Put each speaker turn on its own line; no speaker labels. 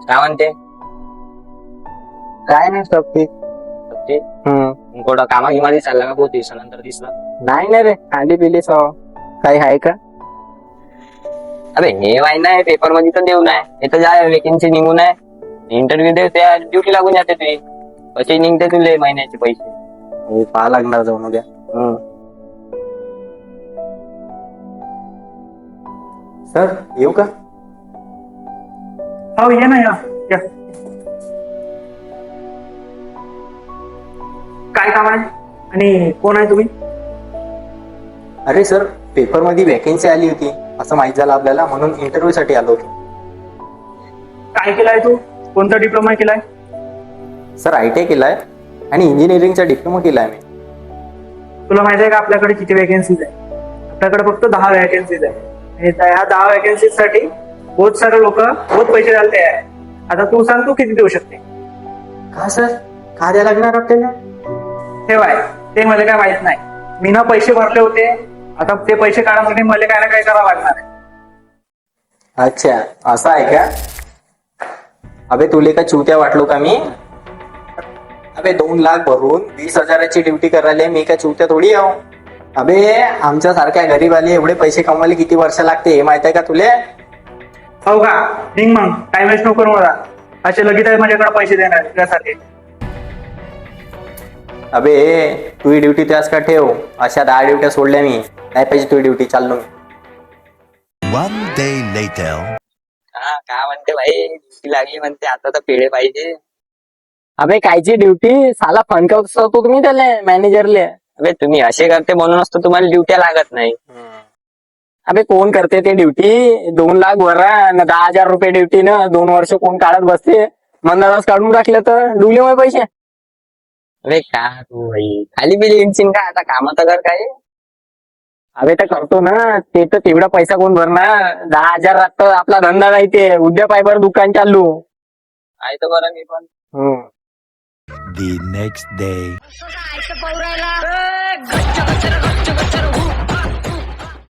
काय म्हणते?
काय नाही सब ठीक.
ते कुठं कामा गिमारी चालला का? बहुत दिवसानंतर दिसला.
नाही ना रे, खाली पिली सो काही आहे का?
अरे हे वाय नाही, पेपर मध्ये तर देऊ नाही, हे तर जाय वेकेन्सी निघून आहे, इंटरव्ह्यू दे, त्या ड्युटी लागून जाते तुझी. कसे निघते तुले महिन्याचे पैसे?
हो, पाहा लागणार जाऊन उद्या. सर येऊ का?
हो ये ना या. काय काम आहे आणि कोण आहे तुम्ही?
अरे सर, पेपर मध्ये वॅकेन्सी आली होती असं माहित झालं आपल्याला, म्हणून इंटरव्ह्यू साठी आलो होतो.
काय केलाय तू? कोणता डिप्लोमा केलाय?
सर ITI केलाय आणि इंजिनिअरिंगचा डिप्लोमा केलाय मी.
तुला माहिती आहे का आपल्याकडे किती वॅकेन्सीज आहे? आपल्याकडे फक्त 10 वॅकेन्सीज आहे आणि ह्या 10 वॅकेन्सीज साठी बहुत सारे लोक बहुत पैसे घालते आहे. आता तू सांग, तू किती देऊ शकते?
का सर, का द्यायला लागणार आपल्याला?
ठेवाय ते मला काय माहित नाही. मी ना पैसे भरले होते, आता ते पैसे काढण्यासाठी मला काय ना काय करावं लागणार आहे.
अच्छा, असं आहे का? अबे तुले का चुत्या वाटलो का मी? अबे 2 लाख भरून 20,000ची ड्युटी करायला मी का चुत्या थोडी आहो? अबे आमच्या सारख्या गरीबाले एवढे पैसे कमवायला किती वर्ष लागते हे माहित आहे का तुले?
हो का? निघ मग, टाइम वेस्ट नको मला. असे लगेच आहे माझ्याकडे पैसे देणार त्यासाठी.
अबे तुझी ड्युटी त्यास का ठेव, अशा 10 ड्युट्या सोडल्या मी, नाही पाहिजे तुझी ड्युटी, चाललो मी.
One day later.
हा काय म्हणते भाई? ड्युटी लागली म्हणते, आता तर पेढे पाहिजे.
अबे कायची ड्युटी? साला फंड होतो तुम्ही त्याला मॅनेजरले.
अबे तुम्ही असे करते म्हणूनच तर तुम्हाला ड्युट्या लागत नाही.
अबे कोण करते ते ड्युटी? 2 लाख भरा न 10,000 रुपये ड्युटी न 2 वर्ष कोण काढत बसते? मंदाज काढून टाकलं तर डुले होय पैसे.
अरे का तू भाई खाली बिली इंचिन का? आता काम तर कर काय.
अबे तर करतो ना, ते तर तेवढा पैसा कोण भरणार? 10,000 राहतं आपला धंदा नाही, ते उद्या पायबर दुकान चालू
आहे तर बरं मी पण.
The next day.
असं जायचं पौरायला गच्च गच्च गच्च गच्च